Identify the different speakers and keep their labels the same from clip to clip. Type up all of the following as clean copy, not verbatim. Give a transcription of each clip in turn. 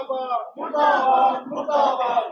Speaker 1: मुर्दाबाद मुर्दाबाद मुर्दाबाद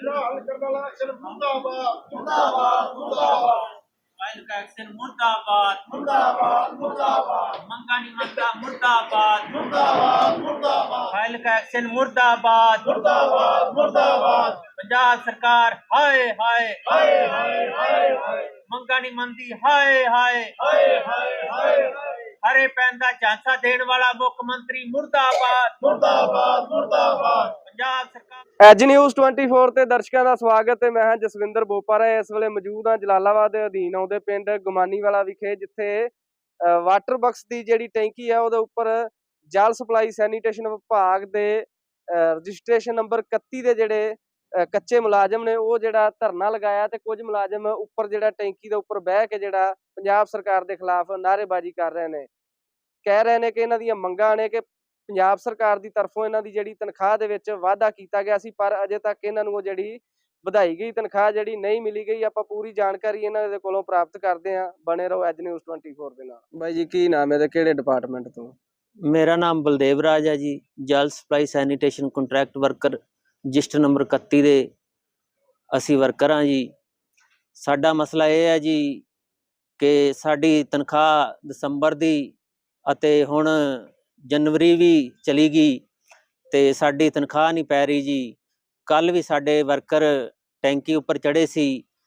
Speaker 1: मुर्दाबाद मुर्दाबाद मुर्दाबाद
Speaker 2: फाइल का एक्शन मुर्दाबाद
Speaker 1: मुर्दाबाद मुर्दाबाद
Speaker 2: मंगानी मंगा मुर्दाबाद
Speaker 1: मुर्दाबाद मुर्दाबाद
Speaker 2: फाइल का एक्शन मुर्दाबाद
Speaker 1: मुर्दाबाद मुर्दाबाद
Speaker 2: पंजाब सरकार हाय हाय
Speaker 1: हाय हाय हाय हाय
Speaker 2: मंगानी मंदी हाय हाय
Speaker 1: हाय हाय हाय
Speaker 2: हरे पैन का झांसा देने वाला मुख्य मंत्री मुर्दाबाद
Speaker 1: मुर्दाबाद मुर्दाबाद
Speaker 2: पंजाब सरकार
Speaker 3: ਐਜ ਨਿਊਜ਼ 24 ਤੇ ਦਰਸ਼ਕਾਂ ਦਾ ਸਵਾਗਤ ਹੈ। ਮੈਂ ਹਾਂ ਜਸਵਿੰਦਰ ਬੋਪਾਰਾ। ਇਸ ਵੇਲੇ ਮੌਜੂਦ ਹਾਂ ਜਲਾਲਾਬਾਦ ਦੇ ਅਧੀਨ ਆਉਂਦੇ ਪਿੰਡ ਗੁਮਾਨੀਵਾਲਾ ਵਿਖੇ, ਜਿੱਥੇ ਵਾਟਰ ਬਕਸ ਦੀ ਜਿਹੜੀ ਟੈਂਕੀ ਹੈ ਉਹਦੇ ਉੱਪਰ ਜਲ ਸਪਲਾਈ ਸੈਨੀਟੇਸ਼ਨ ਵਿਭਾਗ ਦੇ ਰਜਿਸਟ੍ਰੇਸ਼ਨ ਨੰਬਰ 31 ਦੇ ਜਿਹੜੇ ਕੱਚੇ ਮੁਲਾਜ਼ਮ ਨੇ ਉਹ ਜਿਹੜਾ ਧਰਨਾ ਲਗਾਇਆ, ਤੇ ਕੁਝ ਮੁਲਾਜ਼ਮ ਉੱਪਰ ਜਿਹੜਾ ਟੈਂਕੀ ਦੇ ਉੱਪਰ ਬਹਿ ਕੇ ਜਿਹੜਾ ਪੰਜਾਬ ਸਰਕਾਰ ਦੇ ਖਿਲਾਫ ਨਾਅਰੇਬਾਜ਼ੀ ਕਰ ਰਹੇ ਨੇ। ਕਹਿ ਰਹੇ ਨੇ ਕਿ ਇਹਨਾਂ ਦੀਆਂ ਮੰਗਾਂ ਨੇ ਕਿ ਪੰਜਾਬ ਸਰਕਾਰ ਦੀ ਤਰਫੋਂ ਇਹਨਾਂ ਦੀ ਜਿਹੜੀ ਤਨਖਾਹ ਦੇ ਵਿੱਚ ਵਾਅਦਾ ਕੀਤਾ ਗਿਆ ਸੀ, ਪਰ ਅਜੇ ਤੱਕ ਇਹਨਾਂ ਨੂੰ ਉਹ ਜਿਹੜੀ ਵਧਾਈ ਗਈ ਤਨਖਾਹ ਜਿਹੜੀ ਨਹੀਂ ਮਿਲੀ ਗਈ। ਆਪਾਂ ਪੂਰੀ ਜਾਣਕਾਰੀ ਇਹਨਾਂ ਦੇ ਕੋਲੋਂ ਪ੍ਰਾਪਤ ਕਰਦੇ ਹਾਂ। ਬਣੇ ਰਹੋ ਐਜ ਨਿਊਜ਼ 24 ਦੇ ਨਾਲ। ਬਾਈ ਜੀ ਕੀ ਨਾਮ ਹੈ ਤੇ ਕਿਹੜੇ ਡਿਪਾਰਟਮੈਂਟ ਤੋਂ?
Speaker 2: मेरा नाम बलदेव राज है जी, जल supply sanitation contract worker register number 31 ਦੇ ਅਸੀਂ ਵਰਕਰ ਹਾਂ ਜੀ। ਸਾਡਾ ਮਸਲਾ ਇਹ ਹੈ ਜੀ ਕਿ ਸਾਡੀ ਤਨਖਾਹ ਦਸੰਬਰ ਦੀ ਅਤੇ ਹੁਣ ਜਨਵਰੀ ਵੀ ਚਲੀ ਗਈ ਤੇ ਸਾਡੀ ਤਨਖਾਹ ਨਹੀਂ ਪੈ ਰਹੀ ਜੀ। ਕੱਲ ਵੀ ਸਾਡੇ ਵਰਕਰ ਟੈਂਕੀ ਉੱਪਰ ਚੜੇ ਸੀ,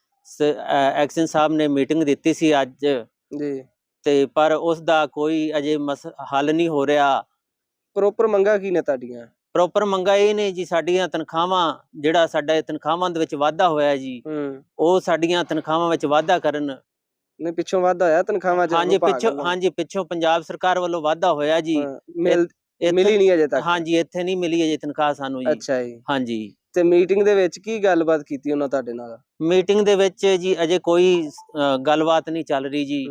Speaker 2: ਐਕਸ਼ਨ ਸਾਹਿਬ ਨੇ ਮੀਟਿੰਗ ਦਿੱਤੀ ਸੀ ਅੱਜ
Speaker 3: ਜੀ,
Speaker 2: ਤੇ ਪਰ ਉਸ ਦਾ ਕੋਈ ਅਜੇ ਹੱਲ ਨਹੀਂ ਹੋ ਰਿਹਾ।
Speaker 3: ਪ੍ਰੋਪਰ ਮੰਗਾਂ ਕੀ ਨੇ ਤੁਹਾਡੀਆਂ?
Speaker 2: ਪ੍ਰੋਪਰ ਮੰਗਾਂ ਇਹ ਨੇ ਜੀ, ਸਾਡੀਆਂ ਤਨਖਾਹਾਂ ਜਿਹੜਾ ਸਾਡਾ ਤਨਖਾਹਾਂ ਦੇ ਵਿੱਚ ਵਾਧਾ ਹੋਇਆ ਜੀ, ਉਹ ਸਾਡੀਆਂ ਤਨਖਾਹਾਂ ਵਿੱਚ ਵਾਧਾ ਕਰਨ।
Speaker 3: ਨਹੀਂ ਪਿੱਛੋਂ ਵਾਧਾ ਹੋਇਆ ਤਨਖਾਹਾਂ 'ਚ?
Speaker 2: ਹਾਂਜੀ ਪਿੱਛੋਂ ਪੰਜਾਬ ਸਰਕਾਰ ਵੱਲੋਂ ਵਾਧਾ ਹੋਇਆ ਜੀ।
Speaker 3: ਮਿਲੀ ਨਹੀਂ ਅਜੇ ਤੱਕ?
Speaker 2: ਹਾਂਜੀ ਇੱਥੇ ਨਹੀਂ ਮਿਲੀ ਅਜੇ ਤਨਖਾਹ ਸਾਨੂੰ ਜੀ।
Speaker 3: ਅੱਛਾ ਜੀ।
Speaker 2: ਹਾਂਜੀ
Speaker 3: ਤੇ ਮੀਟਿੰਗ ਦੇ ਵਿੱਚ ਕੀ ਗੱਲਬਾਤ ਕੀਤੀ ਉਹਨਾਂ ਤੁਹਾਡੇ ਨਾਲ?
Speaker 2: ਮੀਟਿੰਗ ਦੇ ਵਿੱਚ ਜੀ ਅਜੇ ਕੋਈ ਗੱਲਬਾਤ ਨਹੀਂ ਚੱਲ ਰਹੀ ਜੀ,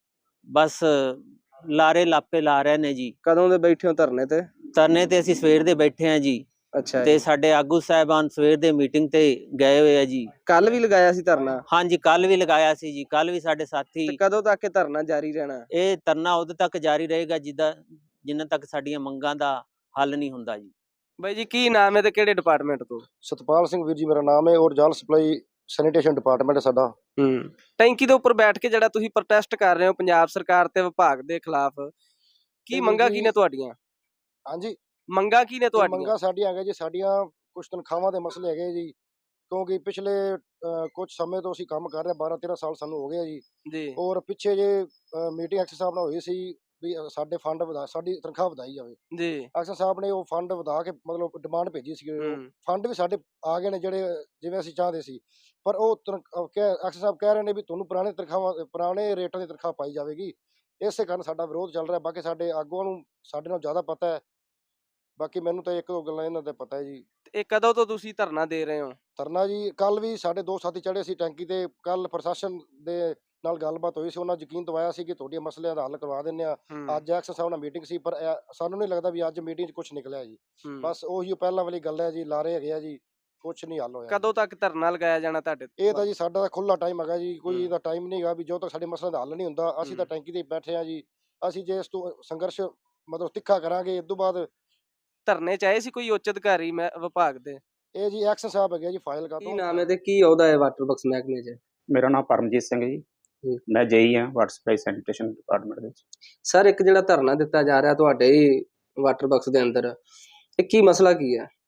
Speaker 2: ਬਸ ਲਾਰੇ ਲਾਪੇ ਲਾ ਰਹੇ ਨੇ ਜੀ।
Speaker 3: ਕਦੋਂ ਦੇ ਬੈਠੇ ਹੋ ਧਰਨੇ ਤੇ?
Speaker 2: ਧਰਨੇ ਤੇ ਅਸੀਂ ਸਵੇਰ ਦੇ ਬੈਠੇ ਆ ਜੀ।
Speaker 3: ਅੱਛਾ।
Speaker 2: ਤੇ ਸਾਡੇ ਆਗੂ ਸਾਹਿਬਾਨ ਸਵੇਰ ਦੇ ਮੀਟਿੰਗ ਤੇ ਗਏ ਹੋਏ ਆ ਜੀ।
Speaker 3: ਕੱਲ ਵੀ ਲਗਾਇਆ ਸੀ ਧਰਨਾ?
Speaker 2: ਹਾਂਜੀ ਕੱਲ ਵੀ ਲਗਾਇਆ ਸੀ ਜੀ। ਕੱਲ ਵੀ ਸਾਡੇ ਸਾਥੀ।
Speaker 3: ਕਦੋਂ ਤੱਕ ਇਹ ਧਰਨਾ ਜਾਰੀ ਰਹਿਣਾ? ਇਹ
Speaker 2: ਧਰਨਾ ਉਦੋਂ ਤੱਕ ਜਾਰੀ ਰਹੇਗਾ ਜਿੰਨਾ ਤੱਕ ਸਾਡੀਆਂ ਮੰਗਾਂ ਦਾ ਹੱਲ ਨਹੀਂ ਹੁੰਦਾ ਜੀ।
Speaker 3: ਬਾਈ ਜੀ ਕੀ ਨਾਮ ਹੈ ਤੇ ਕਿਹੜੇ ਡਿਪਾਰਟਮੈਂਟ ਤੋਂ?
Speaker 1: सतपाल सिंह वीर जी मेरा नाम है और जल सप्लाई सैनिटेशन डिपार्टमेंट है साडा।
Speaker 3: ਟੈਂਕੀ ਦੇ ਉੱਪਰ ਬੈਠ ਕੇ ਜਿਹੜਾ ਤੁਸੀਂ ਪ੍ਰੋਟੈਸਟ ਕਰ ਰਹੇ ਹੋ ਪੰਜਾਬ ਸਰਕਾਰ ਤੇ ਵਿਭਾਗ ਦੇ ਖਿਲਾਫ, ਕੀ ਮੰਗਾਂ ਕੀ ਨੇ ਤੁਹਾਡੀਆਂ?
Speaker 1: ਹਾਂਜੀ
Speaker 3: ਮੰਗਾਂ ਕੀ ਨੇ ਤੁਹਾਡੀਆਂ?
Speaker 1: ਮੰਗਾਂ ਸਾਡੀਆਂ ਹੈਗੇ ਜੀ, ਸਾਡੀਆਂ ਕੁਝ ਤਨਖਾਹਾਂ ਦੇ ਮਸਲੇ ਹੈਗੇ ਜੀ, ਕਿਉਂਕਿ ਪਿਛਲੇ ਕੁਝ ਸਮੇਂ ਤੋਂ ਅਸੀਂ ਕੰਮ ਕਰ ਰਹੇ 12-13 ਸਾਲ ਸਾਨੂੰ ਹੋ ਗਏ ਜੀ
Speaker 3: ਜੀ।
Speaker 1: ਔਰ ਪਿੱਛੇ ਜੇ ਮੀਟਿੰਗ ਐਕਸ਼ਨ ਸਾਹਿਬ ਨਾਲ ਹੋਈ ਸੀ ਵੀ ਸਾਡੇ ਫੰਡ ਵਧਾ, ਸਾਡੀ ਤਨਖਾਹ ਵਧਾਈ ਜਾਵੇ ਜੀ। ਐਕਸ਼ਨ ਸਾਹਿਬ ਨੇ ਉਹ ਫੰਡ ਵਧਾ ਕੇ ਮਤਲਬ ਡਿਮਾਂਡ ਭੇਜੀ ਸੀ। ਫੰਡ ਵੀ ਸਾਡੇ ਆ ਗਏ ਨੇ ਜਿਹੜੇ ਜਿਵੇਂ ਅਸੀਂ ਚਾਹਦੇ ਸੀ, ਪਰ ਉਹ ਐਕਸ਼ਨ ਸਾਹਿਬ ਕਹਿ ਰਹੇ ਨੇ ਵੀ ਤੁਹਾਨੂੰ ਪੁਰਾਣੇ ਤਨਖਾਹਾਂ ਪੁਰਾਣੇ ਰੇਟਾਂ ਦੀ ਤਨਖਾਹ ਪਾਈ ਜਾਵੇਗੀ। ਇਸੇ ਕਾਰਨ ਸਾਡਾ ਵਿਰੋਧ ਚੱਲ ਰਿਹਾ। ਬਾਕੀ ਸਾਡੇ ਆਗੂਆਂ ਨੂੰ ਸਾਡੇ ਨਾਲ ਜ਼ਿਆਦਾ ਪਤਾ ਹੈ, ਬਾਕੀ ਮੈਨੂੰ ਤਾਂ ਇੱਕ ਦੋ ਗੱਲਾਂ ਇਹਨਾਂ ਦਾ ਪਤਾ ਹੈ ਜੀ।
Speaker 3: ਇਹ ਕਦੋਂ ਤੋਂ ਤੁਸੀਂ ਧਰਨਾ ਦੇ ਰਹੇ ਹੋ?
Speaker 1: ਧਰਨਾ ਜੀ ਕੱਲ ਵੀ ਸਾਡੇ ਦੋ ਸਾਥੀ ਚੜੇ ਸੀ ਟੈਂਕੀ ਤੇ। ਕੱਲ ਪ੍ਰਸ਼ਾਸਨ ਦੇ ਨਾਲ ਗੱਲਬਾਤ ਹੋਈ ਸੀ, ਉਹਨਾਂ ਯਕੀਨ ਦਵਾਇਆ ਸੀ ਕਿ ਤੁਹਾਡੇ ਮਸਲਿਆਂ ਦਾ ਹੱਲ ਕਰਵਾ ਦਿੰਦੇ ਆ। ਅੱਜ ਐਕਸ਼ਨ ਸਾਹਿਬ ਨਾਲ ਮੀਟਿੰਗ ਸੀ, ਪਰ ਸਾਨੂੰ ਨਹੀਂ ਲੱਗਦਾ ਵੀ ਅੱਜ ਮੀਟਿੰਗ 'ਚ ਕੁਝ ਨਿਕਲਿਆ ਜੀ। ਬਸ ਉਹੀ ਪਹਿਲਾਂ ਵਾਲੀ ਗੱਲ ਹੈ ਜੀ, ਲਾਰੇ ਹੈਗੇ ਆ ਜੀ, ਕੁਝ ਨਹੀਂ ਹੱਲ ਹੋਇਆ।
Speaker 3: ਕਦੋਂ ਤੱਕ ਧਰਨਾ ਲਗਾਇਆ ਜਾਣਾ ਤੁਹਾਡੇ?
Speaker 1: ਇਹ ਤਾਂ ਜੀ ਸਾਡਾ ਤਾਂ ਖੁੱਲਾ ਟਾਈਮ ਹੈਗਾ ਜੀ, ਕੋਈ ਇਹਦਾ ਟਾਈਮ ਨਹੀਂ ਹੈਗਾ ਵੀ ਜਦੋਂ ਤੱਕ ਸਾਡੇ ਮਸਲਿਆਂ ਦਾ ਹੱਲ ਨਹੀਂ ਹੁੰਦਾ। ਅਸੀਂ ਤਾਂ ਟੈਂਕੀ ਤੇ ਬੈਠੇ ਆ ਜੀ। ਅਸੀਂ ਜੇ ਇਸ ਤੋਂ ਸੰਘਰਸ਼ ਮਤਲਬ ਤਿੱਖਾ ਕਰਾਂਗੇ। ਇਸ ਤੋਂ ਬਾਅਦ
Speaker 3: ਧਰਨੇ ਚ ਆਏ ਸੀ ਕੋਈ ਉੱਚ ਅਧਿਕਾਰੀ ਵਿਭਾਗ ਦੇ?
Speaker 1: ਇਹ ਜੀ ਐਕਸ਼ਨ ਸਾਹਿਬ ਹੈਗੇ ਜੀ ਫਾਈਲ ਕਾ।
Speaker 3: ਕੀ ਨਾਮ ਹੈ ਤੇ ਕੀ ਅਹੁਦਾ ਹੈ ਵਾਟਰ ਬਕਸ ਮਹਿਕਮੇ 'ਚ?
Speaker 4: ਮੇਰਾ ਨਾਮ ਪਰਮਜੀਤ ਸਿੰਘ ਜੀ, ਮੈਂ ਜੇਈ ਹਾਂ ਵਾਟਰ ਸਪਲਾਈ ਸੈਨੀਟੇਸ਼ਨ ਡਿਪਾਰਟਮੈਂਟ ਵਿੱਚ।
Speaker 3: ਸਰ ਇੱਕ ਜਿਹੜਾ ਧਰਨਾ ਦਿੱਤਾ ਜਾ ਰਿਹਾ ਤੁਹਾਡੇ ਵਾਟਰ ਬਕਸ ਦੇ ਅੰਦਰ, ਇਹ ਕੀ ਮਸਲਾ ਕੀ ਹੈ?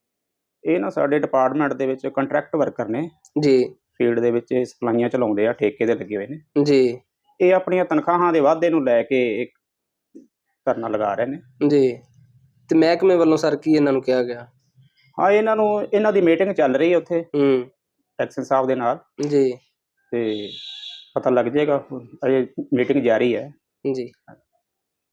Speaker 4: ਇਹ ਨਾ ਸਾਡੇ ਡਿਪਾਰਟਮੈਂਟ ਦੇ ਵਿੱਚ ਕੰਟਰੈਕਟ ਵਰਕਰ ਨੇ
Speaker 3: ਜੀ,
Speaker 4: ਫੀਲਡ ਦੇ ਵਿੱਚ ਸਪਲਾਈਆਂ ਚਲਾਉਂਦੇ ਆ, ਠੇਕੇ ਤੇ ਲੱਗੇ ਹੋਏ ਨੇ
Speaker 3: ਜੀ। ਇਹ
Speaker 4: ਆਪਣੀਆਂ ਤਨਖਾਹਾਂ ਦੇ ਵਾਧੇ ਨੂੰ ਲੈ ਕੇ ਇੱਕ ਧਰਨਾ ਲਗਾ ਰਹੇ ਨੇ
Speaker 3: ਜੀ। ਤੇ ਮਹਿਕਮੇ ਵੱਲੋਂ ਸਰ ਕੀ ਇਹਨਾਂ ਨੂੰ ਕਿਹਾ ਗਿਆ?
Speaker 4: ਹਾਂ ਇਹਨਾਂ ਦੀ ਮੀਟਿੰਗ ਚੱਲ ਰਹੀ ਹੈ ਉੱਥੇ ਐਕਸ਼ਨ ਸਾਹਿਬ ਦੇ ਨਾਲ
Speaker 3: ਜੀ,
Speaker 4: ਤੇ ਪਤਾ ਲੱਗ ਜਾਏਗਾ, ਅਜੇ ਮੀਟਿੰਗ ਜਾਰੀ ਹੈ
Speaker 3: ਜੀ।